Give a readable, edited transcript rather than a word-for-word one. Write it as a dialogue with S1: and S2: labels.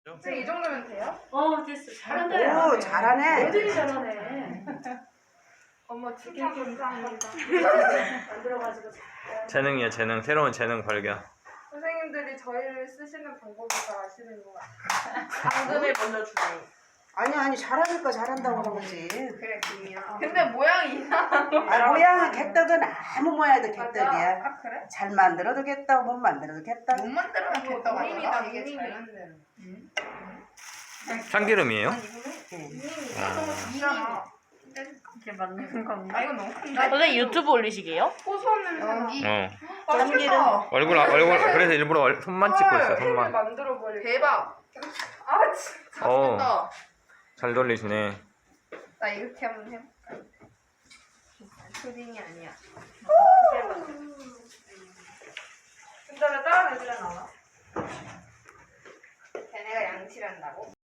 S1: 선생님 이 정도면 돼요?
S2: 됐어. 잘한다.
S3: 오, 잘하네.
S2: 애들이 잘하네.
S1: 어머 칭찬 감사합니다.
S2: 만들어가지고
S4: 재능이야, 재능. 새로운 재능 발견.
S1: 선생님들이 저희를 쓰시는 방법을 잘 아시는 것 같아요. 당근을 먼저 주세요.
S3: 아니 잘하니까 잘한다고 그런 거지.
S1: 그래 김이야. 근데 모양이 이상한 거.
S3: 아 모양은 개떡은 아무 모양도 개떡이야.
S1: 아 그래?
S3: 잘 만들어도 개떡, 못 만들어도 개떡.
S1: 못 만들면 됐다고 하더라. 이게 잘 만드는.
S4: 참기름이에요?
S1: 이잖아.
S2: 이렇게 만드는 건가?
S1: 아 이건 너무 큰데.
S5: 선생님 유튜브 올리시게요?
S1: 고소한 냄새나.
S4: 어.
S1: 맛있겠다.
S4: 얼굴, 그래서 일부러 손만 찍고 있어, 손만.
S1: 만들어 버릴. 대박. 아 진짜
S4: 어.
S1: 맛있겠다.
S4: 잘 돌리시네.
S1: 나 이렇게 한번 해볼까? 푸딩이 아니야. 근데 왜 다른 애들은 안 와? 걔네가 양치를 한다고?